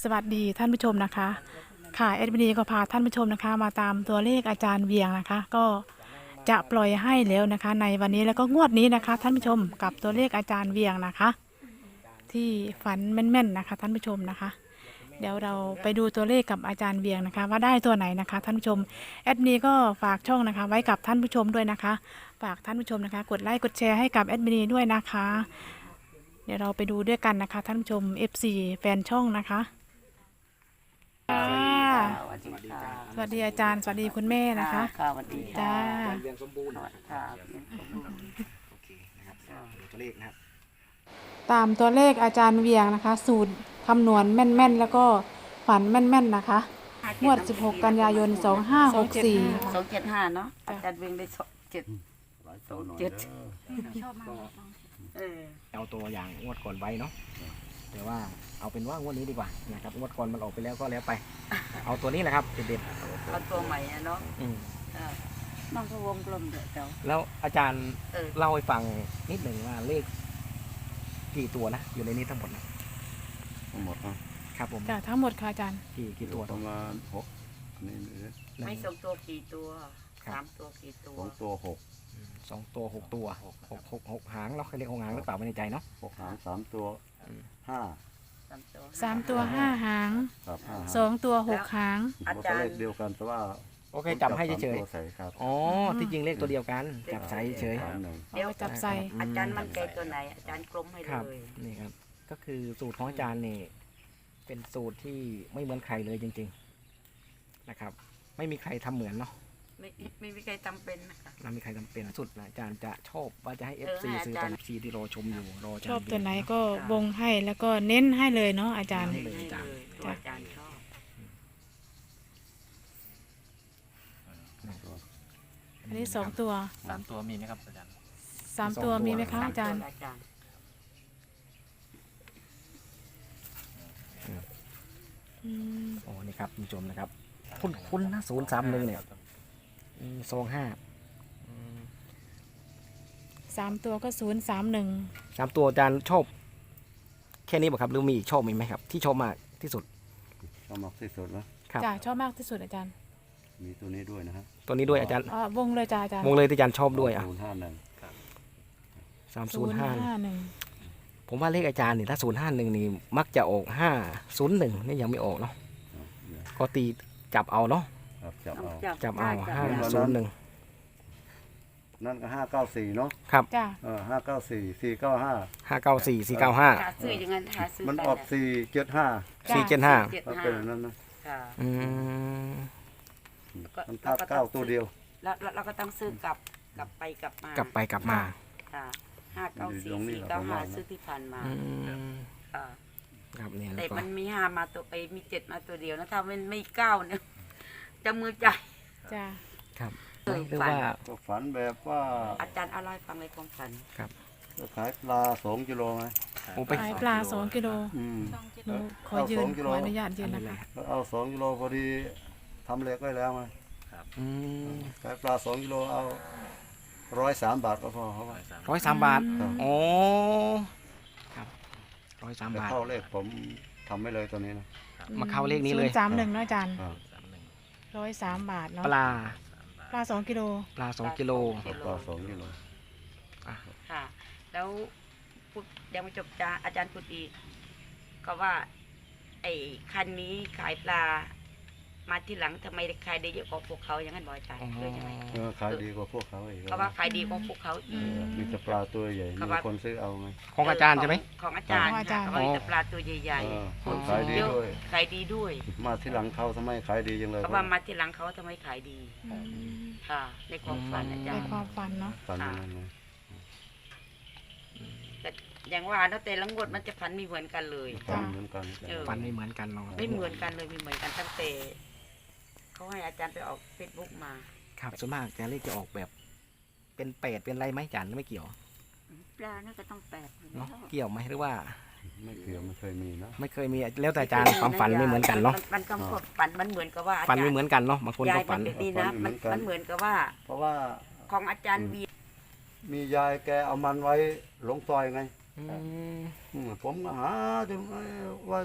สวัสดีท่านผู้ชมนะคะค่ะเอ็ดมินีก็พาท่านผู้ชมนะคะมาตามตัวเลขอาจารย์เวียงนะคะก็จะปล่อยให้แล้วนะคะในวันนี้แล้วก็งวดนี้นะคะท่านผู้ชมกับตัวเลขอาจารย์เวียงนะคะที่ฝันแม่นๆนะคะท่านผู้ชมนะคะเดี๋ยวเราไปดูตัวเลขกับอาจารย์เวียงนะคะว่าได้ตัวไหนนะคะท่านผู้ชมเอ็ดมินีก็ฝากช่องนะคะไว้กับท่านผู้ชมด้วยนะคะฝากท่านผู้ชมนะคะกดไลค์กดแชร์ให้กับเอ็ดมินีด้วยนะคะเดี๋ยวเราไปดูด้วยกันนะคะท่านผู้ชม FC แฟนช่องนะคะสวัสดีค่ะสวัสดีอาจารย์สวัสดีคุณแม่นะคะค่ะสวัสดีจ้าค่ะเรียงสมบูรณ์ค่ะเรียนสมบูรณ์โอเคนะครับดูตัวเลขนะครับตามตัวเลขอาจารย์เวียงนะคะ สูตรคำนวณแม่นๆแล้วก็ฝันแม่นๆนะคะงวด 16 กันยายน 2564 275เนาะอาจารย์เวงได้27 เอาตัวอย่างงวดก่อนไว้เนาะแต่ว่าเอาเป็นว่างวดนี้ดีกว่านะครับงวดก่อนมันออกไปแล้วก็แล้วไป เอาตัวนี้แหละครับเด็ดเอาตัวใหม่อะเนาะๆน้องก็วงกลมเดี๋ยวเจ้าแล้วอาจารย์เออเล่าให้ฟังนิดหนึ่งว่าเลขกี่ตัวนะอยู่ในนี้ทั้งหมดนะทั้งหมดนะครับผมจ้ะทั้งหมดค่ะอาจารย์กี่ตัวประมาณ6นี่ไม่ส่งตัวกี่ตัว3ตัวกี่ตัว 2 ตัว6 2 ตัว 6 ตัวหกหางเราเคยเรียกหกหางหรือเปล่าไม่แน่ใจเนาะ 6หาง3ตัว5 3ตัว 3 ตัว 5 หางครับ5หาง 2 ตัว 6 หางผมก็เลขเดียวกันแต่ว่าโอเคจับให้เฉยตัวใส่ครับๆอ๋อที่จริงเลขตัวเดียวกันจับใส่เฉยเดี๋ยวเอาจับใส่อาจารย์มันใจตัวไหนอาจารย์กลมให้ครับเลยนี่ครับก็คือสูตรของอาจารย์นี่เป็นสูตรที่ไม่เหมือนใครเลยจริงๆนะครับ ไม่มีใครทำเหมือนเนาะไม่มีใครจำเป็นนะคะไม่มีใครทำเป็นสุดนะอาจารย์จะชอบว่าจะให้เออ FC ให้อาจารย์ซื้อตอน FC ที่รอชมอยู่รออาจารชย์อบตัวไหนก็วงให้แล้วก็เน้นให้เลยเนาะอาจารย์ให้เลยตัวอาจารย์ชอบอันนี้ 2 ตัว 3 ตัวมีไหมครับอาจารย์ 3 ตัวมีไหมคะอาจารย์อาจารย์อืมโอ้นี่ครับคุณผู้ชมนะครับคุณนะ031เนี่ย25 3 ตัวก็ 031 3ตัวอาจารย์ชอบแค่นี้ป่ะครับหรือมีอีกชอบมีไหมครับ ที่ชอบมากที่สุดชอบมากที่สุดนะครับจ้ะชอบมากที่สุดอาจารย์มีตัวนี้ด้วยนะฮะตัวนี้ด้วยอาจารย์วงเลยจ้ะอาจารย์วงเลยที่อาจารย์ชอบด้วยอ่ะ 051 305 051 ผมว่าเลขอาจารย์นี่ถ้า051นี่มักจะออก501นี่ยังไม่ออกเนาะก็ตีจับเอาเนาะครับจับเอาจับเอาได้ 501 นั่นก็594เนาะครับจ้ะ 594 495 594 495 หาซื้ออย่างนั้นหาซื้อมันได้ออก 475 475 ก็เป็นนั้นนะค่ะอืมมันพลาด9ตัวเดียวแล้วเราก็ต้องซื้อกลับไปกลับมากลับไปกลับมาค่ะ594 495ซื้อที่ผ่านมาอืมค่ะครับเนี่ยแล้แต่วก็มันมี5มาตัวมี7มาตัวเดียวนะถ้ามันไม่9เนี่ยจะมือใจจ้ะครับเออหรือฝันว่าก็ฝันแบบว่าอาจารย์เอาเล่าให้ฟังในความฝันจะขายปลา2กิโลไงโอ้ไปขายปลา 2 กิโลอืมหนูขอยืนเอา2กิขโลออนุญาตยืนนะคะแล้วเอา2กิโลพอดีทำเหล็กไว้แล้วไงอืมขายปลา2กิโลเอา103 บาทก็พอเขาว่า 103 บาทครับโอ้ครับ103 แต่บาทเข้าเลขผมทำไม่เลยตัวนี้นะมาเข้าเลขนี้เลย 031เนาะอาจารย์ครับ 103 บาทเนาะปลาปลา 2 กิโลปลา2กิโลปลา2กิโลค่ะ แล้วพูดยังไม่จบจ้าอาจารย์พูดอีก ก็ว่า ไอ้คันนี้ขายปลา มาที่หลังทำไมขายได้เยอะกว่าพวกเขาอย่างนั้นบอกอาจารย์เลยใช่ไหมขายดีกว่าพวกเขาอีกเขาว่าขายดีกว่าพวกเขาอีกมีแต่ปลาตัวใหญ่เขามีว่าคนซื้อเอาไงของอาจารย์ใช่ไหมของอาจารย์ค่ะเขาว่ามีแต่ปลาตัวใหญ่คนขายดีเยอะด้วยขายดีด้วยมาที่หลังเขาทำไมขายดีจังเลยเขาว่ามาที่หลังเขาทำไมขายดี ค่ะ ในความฝันอาจาในรย์ความฝันเนาะฝันอย่างนั้นเลยแต่อย่างว่าเนาะแต่ละงวดมันจะฝันไม่เหมือนกันเลยฝันเหมือนกันเออฟันไม่เหมือนกันเนาะไม่เหมือนกันเลยไม่เหมือนกันตั้งแต่เขาให้อาจารย์ไปออกเฟซบุ๊กมาครับส่วนมากจะเลขจะออกแบบเป็นเป็ดเป็นอะไรไหมอาจารย์ไม่เกี่ยวปลาน่าจะต้องแปดอยู่เนาะแล้วเกี่ยวไหมหรือว่าไม่เกี่ยวไม่เคยมีนะไม่เคยมีแล้วแต่อาจารย์ความฝันไม่เหมือนกันเนาะมันก็ฝันมันเหมือนกับว่าฝันไม่เหมือนกันเนาะบางคนยาก็ยฝัมัน นเป็นนี่นะมันเหมือนกับว่าเพราะว่าของอาจารย์วีมียายแกเอามันไว้หลงซอยไงอืมผมก็หาจนว่า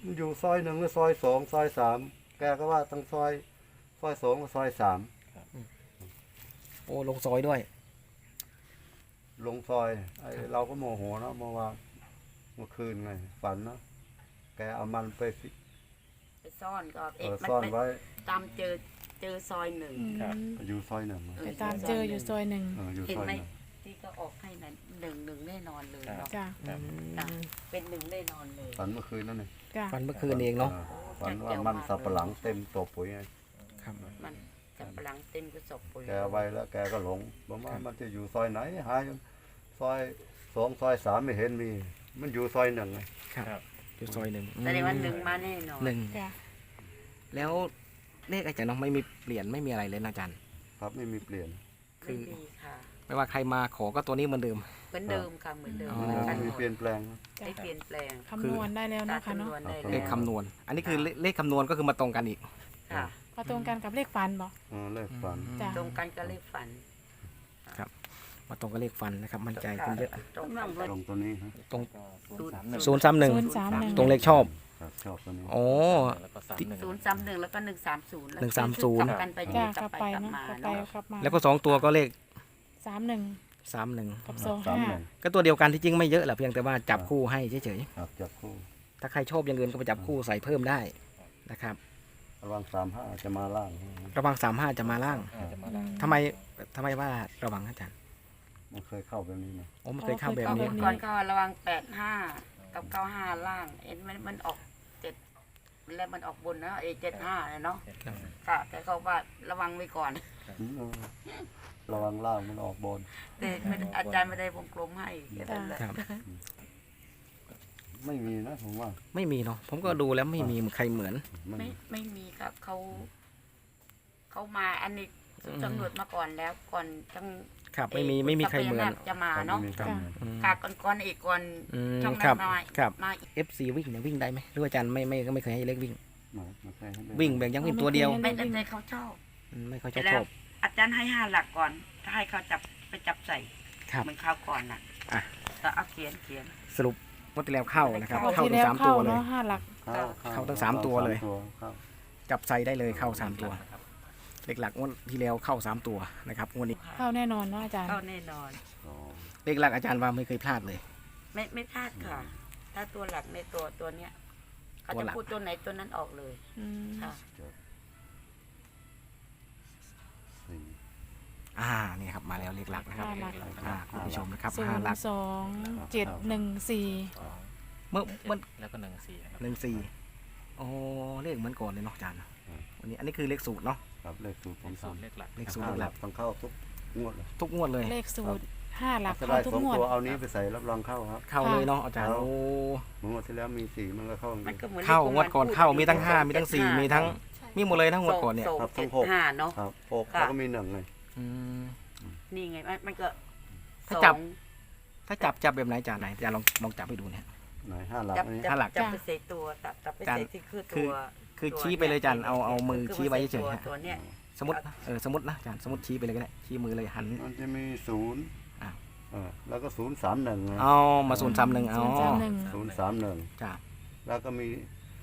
มันอยู่ซอยหนึ่งหรือซอยสองซอยสามแกก็ว่าทั้งซอยสองกับซอยสามโอ้ลงซอยด้วยลงซอยเราก็โมโหเนาะเมื่อคืนไงฝันเนาะแกเอามันไปไปซ่อนก็มันซ่อนไปไว้ตามเจอซอยหนึ่งอยู่ซอยหนึ่งไปตามเจออยู่ซอยหนึ่งอยู่เห็นซอยไหมหนึ่งที่ก็ออกให้นั้นหนึ่งแน่นอนเลยเนาะจ้ะจ้ะเป็นหนึ่งแน่นอนเลยฝันเมื่อคืนนั่นเองจ้ะฟันเมื่อคืนเองเนาะฝันว่ามันสับปะหลังเต็มตัวปุ๋ยไงครับมันจะพลังเต็มกระสอบปุ๋ยแกเอาไว้แล้วแกก็หลงบอกว่ามันจะอยู่ซอยไหนหาซอยสองซอยสามไม่เห็นมี มันอยู่ซอยหนึ่งไงครับอยู่ซอยหนึ่งแสดงว่าหนึ่งมาแน่นอนหนึ่งจ้ะแล้วเลขอาจารย์เนาะไม่มีเปลี่ยนไม่มีอะไรเลยนะอาจารย์ครับไม่มีเปลี่ยนไม่มีค่ะไม่ว่าใครมาขอก็ตัวนี้เหมือนเดิมเหมือนเดิมค่ะเหมือนเดิมอ๋อเหมือนกันมีหมดเปลี่ยนแปลงได้เปลี่ยนแปลงคำนวณได้แล้วตาเนาะค่ะจำนเนาะวนได้เลแล้ขวคำนวณ อันนี้คือเลขคำนวณก็คือมาตรงกันอีกค่ะมาตรงกันกับเลขฟันบอกเลขฝันจ้ะตรงกันก็เลขฝันมาตรงกับเลขฟันนะครับ มั่นใจขึ้นเยอะตรงกันตรงตัวนี้ฮะตรงศูนย์ 031 031 ตรงเลขชอบครับชอบตัวนี้อ๋อ 031แล้วก็130แล้ว 130 กลับกันไปจ้ะกกลัลับบ ไปไปกลับเนาะมากลับไปเนาะกลับมาแล้วก็2ตัวก็เลข 31 31 กับสามหนึ่งก็ตัวเดียวกันที่จริงไม่เยอะแหละเพียงแต่ว่าจับคู่ให้เฉยครับจับคู่ๆ ถ้าใครชอบอย่างอื่นก็ไปจับคู่ใส่เพิ่มได้นะครับระวัง35จะมาล่างระวัง35จะมาล่างทำไมว่าระวังอาจารย์มันเคยเข้าแบบนี้นะโอ้มันเคยเข้าแบบก็นี้ก่อนก็ระวัง85กับ95ล่างเอ็นมันออก7แล้วมันออกบนนะ75เนาะครับค่ะแต่เขาว่าระวังไว้ก่อนระวังล่างมันออกบนแต่ไม่ได้อาจารย์ไม่ได้วงกลมให้แค่นั้นแหละครับไม่มีนะผมว่าไม่มีเนาะผมก็ดูแล้วไม่มีใครเหมือนไม่มีครับเขามาอันนี้ตำรวจมาก่อนแล้วก่อนทั้งครับไม่มีใครเหมือนจะมาเนาะไม่มีครับอืมกาก่อนอีกก่อนอืมช่องคนั้รันบมาครับมาอีก FC วิ่งเนี่ยวิ่งได้ไหมหรือว่าอาจารย์ไม่เคยให้เลขวิ่งไม่เคยให้ได้วิ่งแบบยังวิ่งตัวเดียวไม่ได้เขาชอบไม่ค่อยชอบแล้ชวอบอาจารย์ให้5 หลักก่อน ถ้าให้เขาไปจับใส่ครับเหมือนข้าวก่อนน่ะอ่ะก็เอาเขียนสรุปงวดที่แล้วเข้านะครับงวดเข้าที่ทั้แล้วง3 เข้าตัวเลยเนาะ5 หลักเข้าทั้งสามตัวเลยเข้าจับใส่ได้เลยเข้า3ตัวเลขหลักงวดที่แล้วเข้า3ตัวนะครับงวดนี้เข้าแน่นอนเนาะอาจารย์เข้าแน่นอนเลขหลักอาจารย์ว่าไม่เคยพลาดเลยไม่พลาดค่ะ ถ้าตัวหลักในตัวเนี้ยเขาตัวจะหลักพูดตัวไหนตัวนั้นออกเลยอืมค่ะสี่นี่ครับมาแล้วเลขหลักนะครับ 5 หลักคุณผู้ชมนะครับ5หลัก 02-714 เมื่อแล้วก็14นะครับ 14โอ้เลขเหมือนก่อนเลยเนาะอาจารย์วันนี้อันนี้คือเลขสูตรเนาะครับเลขสูตรผมสสูอนตรเลขหลักเลขสูตรห้าเลขหหลัลักกต้องเข้าทุกงวดเลยทุกงวดเลยเลขสูตร 5 หลักถ้าเข้าได้ทุกสองงวดตัวเอานี้ไปใส่รับรองเข้าครับเข้าเลยเนาะอาจารย์ครับโอ้งวดที่แล้วมี4มันก็เข้ามันก็เหมือนเข้าที่งวดก่อนพูเข้ามีทั้ง5มีทั้ง4มีทั้งมีหมดเลยทั้งงวดก่อนเนี่ยส่งครับทั้ง 75เนาะครับหกค่ะแล้วก็มี1เลยอืมนี่ไงมันก็ถ้าจับสองถ้าจับแบบไหนอาจารย์ไหนอาจารย์ลองจับไปดูเนี่ยไหน5หลักจับอันนี้จับห้าหลักจับไปใส่ตัวจับไปใส่ที่คือตัวคือชี้ไปเลยอาจารย์เอามือชี้ไว้เฉยๆฮะตัวเนี้ยสมมตินะสมมตินะอาจารย์สมมติชี้ไปเลยก็ได้ชี้มือเลยหันมันจะมี0 อ้าวแล้วก็031ไงเอามา031เอา 031 031 จ้าแล้วก็มี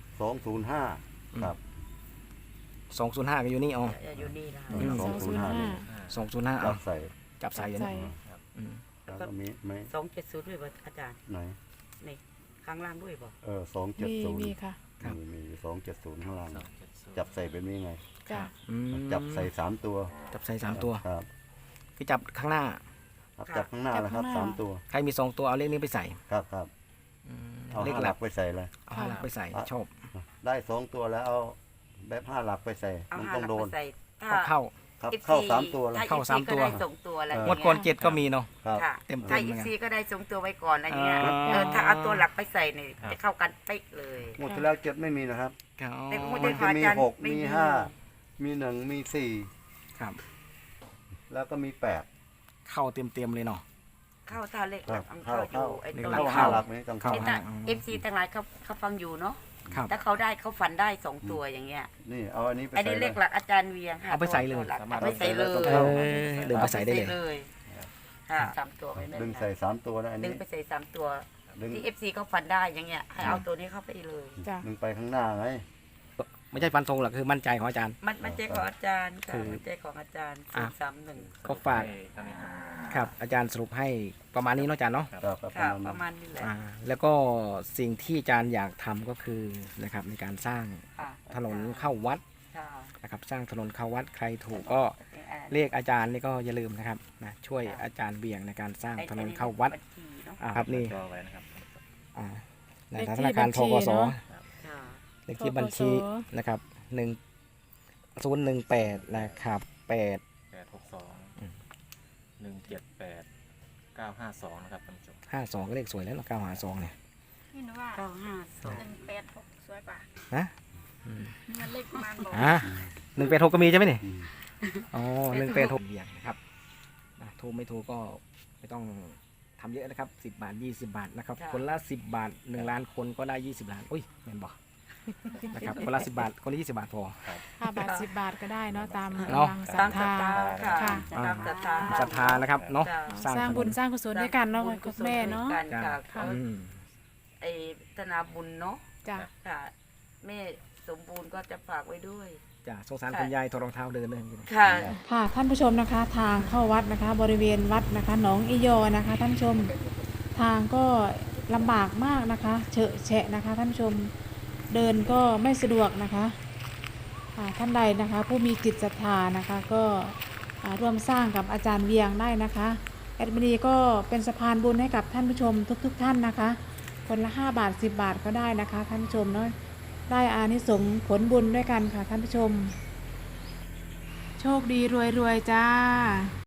205ครับ 205ก็อยู่นี่เอาอยู่นี่นะอืม 205นี่ 205 จัเอาบใส่จับใส่อยู่ใส่นี่อืมแล้วก็มีไหม 270ด้วยป่ะอาจารย์ไหนนี่ข้างล่างด้วยป่ะมี 270 ค่ะมี270ข้างล่าง 270 จับใส่เป็นนี้ไงจ้ะอืมจับใส่3ตัวจับใส่3ตัวครับคือจับข้างหน้าครับจับข้างหน้าแล้วครับ3ตัวใครมี2ตัวเอาเลขนี้ไปใส่ครับครับอืมเอาเลข 5 หหลัลักกไปใส่เลยเอา5หลักไปใส่ชอบได้2ตัวแล้วเอาแบบ5หลักไปใส่เอามัน 5 ต้องหลักโดไปนใส่ถ้าเข้าครับ FC เข้า3ตัวแล้วถ้าเข้า FC สามตัวก็ได้ส่งตัวอะไรงวดก่อน7ก็มีเนาะครับค่ะเต็มๆถ้าเหมือนกัน FC ก็ได้ส่งตัวไว้ก่อนอะไรเงี้ยอ่าถ้าเอาตัวหลักไปใส่เนี่ยจะเข้ากันเป๊ะเลยงวดที่แล้ว7ไม่มีนะครับครับแต่งวดมัที่นผ่าจะนมีอาจารย์ 6 ไม่มีมี 5 มี 1 มีครับ 4 แล้วก็มี 8 เข้าเต็มๆเลยเนาะเข้าท่าเลขหลักเข้าเข้าอยู่ไอ้เลตขรงหลักเข้าเข้า 5หลักนี้ต้องเข้าเข้าแต่ FC ต่างหลายเขาฟังอยู่เนาะครับถ้าเขาได้เขาฝันได้2ตัวอย่างเงี้ยนี่เอาอันนี้ไปอันใส่นี้เลเลย ขหลักอาจารย์เวียงค่ะเอาไปใส่เลยตัวหกสามารถเอาไปใส่เลยเอาไปเอใส่อเดินไปใส่ได้เลยค่ะ3ตัวไปเลยดึงใส่3ตัวนะอันดึนี้งไปใส่3ตัวดึงที่ FC เขาฝันได้อย่างเงี้ยให้เอาตัวนี้เข้าไปเลยจ้ะดึงไปข้างหน้าไงไม่ใช่ฟันธงหรอกคือมั่นใจของอาจารย์มันใจของอาจารย์คืค่ะอมันใจของอาจารย์อ่ะ 031 ก็ฝากครับอาจารย์สรุปให้ประมาณนี้เนาะอาจารย์เนาะครับประค่ะมาณประมาณนี้แหละแล้วก็สิ่งที่อาจารย์อยากทำก็คือนะครับในการสร้างค่ะถนนเข้าวัดค่ะนะครับสร้างถนนเข้าวัดใครถูกก็เรียกอาจารย์นี่ก็อย่าลืมนะครับนะช่วยอาจารย์เบี่ยงในการสร้างถนนเข้าวัดบัญชีเนาะครับนี่จอไว้นะครับในเลขธที่นาคารบัญทชีกสเนาะค่ะเลขที่บัญชีธกสนะครับ1018นะครับ8 862 178 952นะครับท่านผู้ชม 52ก็เลขสวยแล้วเนาะ952เนี่ยนี่นะว่า 952 186สวยกว่านะอืมมันเลขประมาณบอก 186ก็มีใช่ไหมนี่อ๋อ186เบี่ยงนะครับนะถูกไม่ถูกก็ไม่ต้องทำเยอะนะครับ10 บาท 20 บาทนะครับค่ะคนละ10 บาท1 ล้านคนก็ได้20 ล้านอุ้ยแม่นบอกนะครับคนละ10 บาทคนละ20 บาทพอ 5 บาท 10 บาทก็ได้เนาะตามเนาะกำลังศรัตาทมศรัทธาธาค่ะค่ะตามศรัทธาศรัทธานะครับเนาะจ้ะสร้างบุญสร้างกุศลด้วยกันเนาะคุณแม่เนาะกันจ้ะค่ะค่ะเขาอืมไอ้ธนาบุญเนาะจ้ะค่ะแม่สมบูรณ์ก็จะฝากไว้ด้วยจ้ะสงสารคุณยายถอดรองเท้าเดินเลยค่ะค่ะท่านผู้ชมนะคะ ทางเข้าวัดนะคะ บริเวณวัดนะคะหนองอียอนะคะท่านผู้ชมทางก็ลำบากมากนะคะเฉอะแฉะนะคะท่านผู้ชมเดินก็ไม่สะดวกนะคะท่านใดนะคะ ผู้มีจิตศรัทธานะคะก็ร่วมสร้างกับอาจารย์เวียงได้นะคะแอดมินีก็เป็นสะพานบุญให้กับท่านผู้ชมทุกท่านนะคะ คนละ5 บาท 10 บาทก็ได้นะคะท่านผู้ชมเนาะได้อานิสงส์ผลบุญด้วยกันค่ะท่านผู้ชม โชคดีรวยๆจ้า